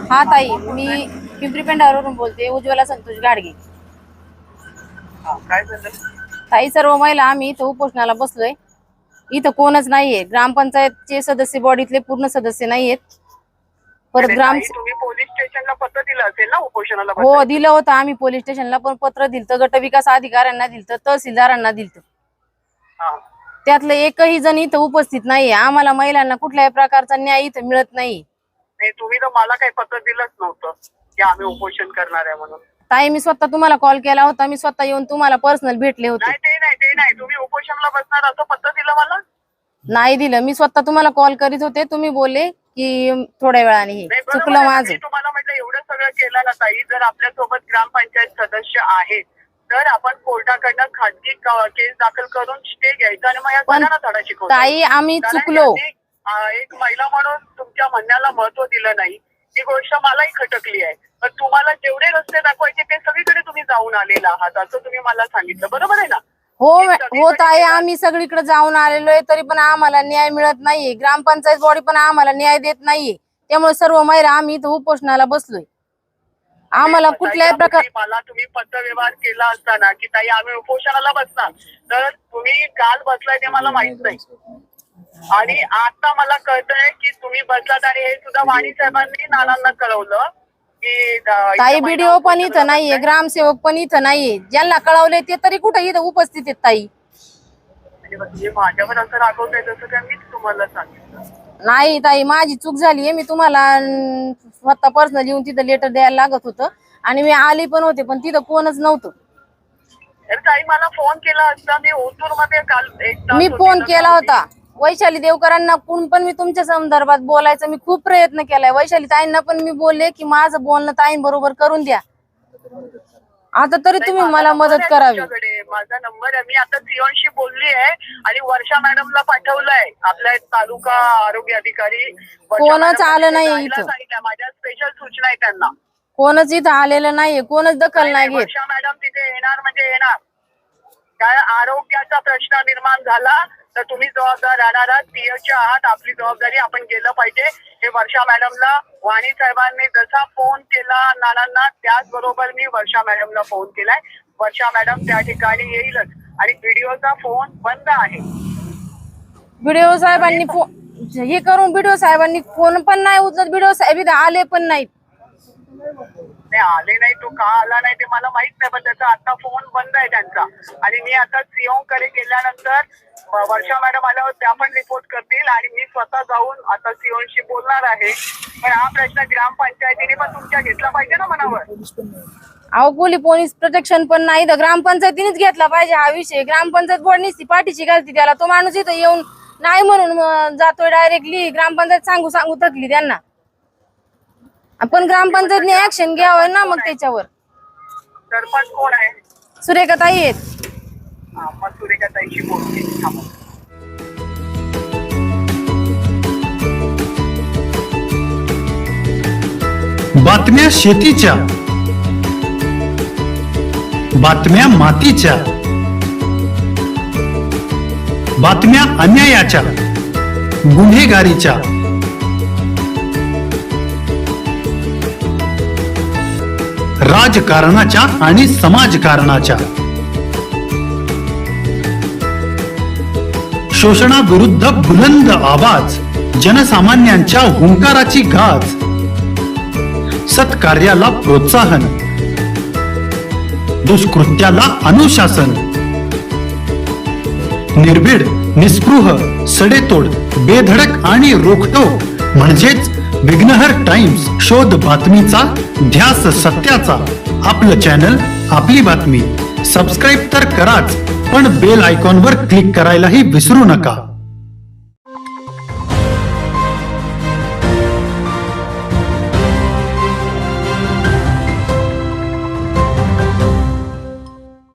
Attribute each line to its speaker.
Speaker 1: हा ताई, मी पिंपरी पेंढावरून बोलते, उज्ज्वला संतोष गाडगे.
Speaker 2: काय झालं
Speaker 1: ताई, सर्व महिला आम्ही इथं उपोषणाला बसलोय. इथं कोणच नाहीये. ग्रामपंचायतचे सदस्य बॉडीतले पूर्ण सदस्य नाहीयेत. परत
Speaker 2: तुम्ही पोलीस स्टेशनला पत्र दिलं असेल ना उपोषणाला?
Speaker 1: हो, दिलं होतं आम्ही पोलीस स्टेशनला, पण पत्र दिलं, गट विकास अधिकाऱ्यांना दिलं, तहसीलदारांना दिलं. त्यातलं एकही जण इथं उपस्थित नाहीये. आम्हाला महिलांना कुठल्याही प्रकारचा न्याय इथं मिळत नाही.
Speaker 2: तुम्ही तर मला काही पत्र दिलंच नव्हतं की आम्ही उपोषण करणार आहे म्हणून.
Speaker 1: ताई, मी स्वतः तुम्हाला कॉल केला होता. मी स्वतः येऊन तुम्हाला पर्सनल भेटले होते.
Speaker 2: ते नाही तुम्ही उपोषणाला बसणार असं पत्र दिलं मला?
Speaker 1: नाही दिलं. मी स्वतः तुम्हाला कॉल करीत होते, तुम्ही बोलले की थोड्या वेळाने. हे चुकलं माझं.
Speaker 2: तुम्हाला म्हटलं एवढं सगळं केलं ना ताई, जर आपल्यासोबत ग्रामपंचायत सदस्य आहेत तर आपण कोर्टाकडनं खाजगी केस दाखल करून स्टे घ्यायचा आणि मग या सगळ्यांना धडा शिकवतो.
Speaker 1: ताई, आम्ही चुकलो.
Speaker 2: एक महिला म्हणून तुमच्या म्हणण्याला महत्व दिलं नाही, ही गोष्ट मलाही खटकली आहे. पण तुम्हाला जेवढे रस्ते दाखवायचे ते सगळीकडे तुम्ही जाऊन आलेला आहात असं तुम्ही मला सांगितलं, बरोबर आहे ना?
Speaker 1: हो ताई, आम्ही सगळीकडे जाऊन आलेलो आहे, तरी पण आम्हाला न्याय मिळत नाहीये. ग्रामपंचायत बॉडी पण आम्हाला न्याय देत नाहीये. त्यामुळे सर्व महिला आम्ही इथं उपोषणाला बसलोय. आम्हाला कुठल्याही प्रकार
Speaker 2: मला तुम्ही पत्र व्यवहार केला असताना की ताई आम्ही उपोषणाला बसणार, तर तुम्ही काल बसलाय ते मला माहित नाही. आणि आता मला कळतंय की तुम्ही बसलात आणि हे सुद्धा वाणी साहेबांनी नानांना कळवलं की
Speaker 1: ताई, व्हिडिओ पण इथं नाहीये, ग्रामसेवक पण इथं नाहीये. ज्यांना कळवले ते तरी कुठे इथं उपस्थित आहेत ताई.
Speaker 2: माझ्यावर असं रागवतंय जसं काय मीच तुम्हाला सांगितलं.
Speaker 1: नाही ताई, माझी चूक झालीये. मी तुम्हाला स्वतः पर्सनल येऊन तिथं लेटर द्यायला लागत होतं आणि मी आली पण होते, पण तिथं कोणच नव्हतं.
Speaker 2: ताई, मला फोन केला असता. मी ओतूर मध्ये काल
Speaker 1: मी फोन केला होता वैशाली देवकरांना, कोण पण मी तुमच्या संदर्भात बोलायचा मी खूप प्रयत्न केलाय. वैशाली ताईंना पण मी बोलले की माझं बोलणं ताईंबरोबर करून द्या. आता तरी तुम्ही मला मदत करावी.
Speaker 2: माझा नंबर आहे, मी आता सिओनशी बोलली आहे आणि वर्षा मॅडमला पाठवलंय, आपल्या तालुका आरोग्य अधिकारी.
Speaker 1: कोणच आलं नाही इथं.
Speaker 2: माझ्या स्पेशल सूचना आहे त्यांना.
Speaker 1: कोणच इथं आलेलं नाहीये, कोणच दखल नाही घेत.
Speaker 2: वर्षा मॅडम तिथे येणार म्हणजे येणार. काय आरोग्याचा प्रश्न निर्माण झाला तर तुम्ही जबाबदार राहणार आहात, पीएच्या आहात. आपली जबाबदारी आपण केलं पाहिजे. हे वर्षा मॅडमला वाणी साहेबांनी जसा फोन केला नानांना, त्याचबरोबर मी वर्षा मॅडमला फोन केलाय. वर्षा मॅडम त्या ठिकाणी येईलच आणि व्हिडिओचा फोन बंद आहे.
Speaker 1: व्हिडिओ साहेबांनी हे करून व्हिडिओ साहेबांनी फोन पण नाही उचलत. व्हिडिओ साहेब इथं आले पण नाहीत.
Speaker 2: आले नाही, तो का आला नाही ते मला माहित नाही, पण त्याचा आता फोन बंद आहे त्यांचा. आणि मी आता सीओ कडे गेल्यानंतर वर्षा मॅडम आल्यावर त्या पण रिपोर्ट करतील आणि मी स्वतः जाऊन आता सीओशी बोलणार आहे. पण हा प्रश्न ग्रामपंचायतीने पण तुमच्या घेतला पाहिजे ना मनावर.
Speaker 1: अहो, पोलीस प्रोटेक्शन पण नाही तर ग्रामपंचायतीनेच घेतला पाहिजे हा विषय. ग्रामपंचायत बोर्डनीच ती पाठीची घालती त्याला. तो माणूस इथं येऊन नाही म्हणून जातोय डायरेक्टली. ग्रामपंचायत सांगू थकली त्यांना. आपण ग्रामपंचायतने ऍक्शन घ्यावं ना मग त्याच्यावर.
Speaker 2: सरपंच कोण आहे?
Speaker 1: सुरेखाताई आहेत.
Speaker 2: मग सुरेखाताईशी बोलते.
Speaker 3: बातम्या शेतीच्या, बातम्या मातीच्या, बातम्या अन्यायाच्या, गुन्हेगारीच्या, राजकारणाच्या आणि समाजकारणाच्या, शोषणाविरुद्ध बुलंद आवाज, जनसामान्यांच्या हुंकाराची गाज, सत्कार्याला प्रोत्साहन, दुष्कृत्याला अनुशासन, निर्भीड, निस्पृह, सडेतोड, बेधडक आणि रोखठोक म्हणजेच विघ्नहर टाइम्स. शोध बातमीचा, ध्यास सत्याचा. आपलं चॅनल, आपली बातमी. सबस्क्राईब तर कराच, पण बेल आयकॉनवर क्लिक करायलाही विसरू नका.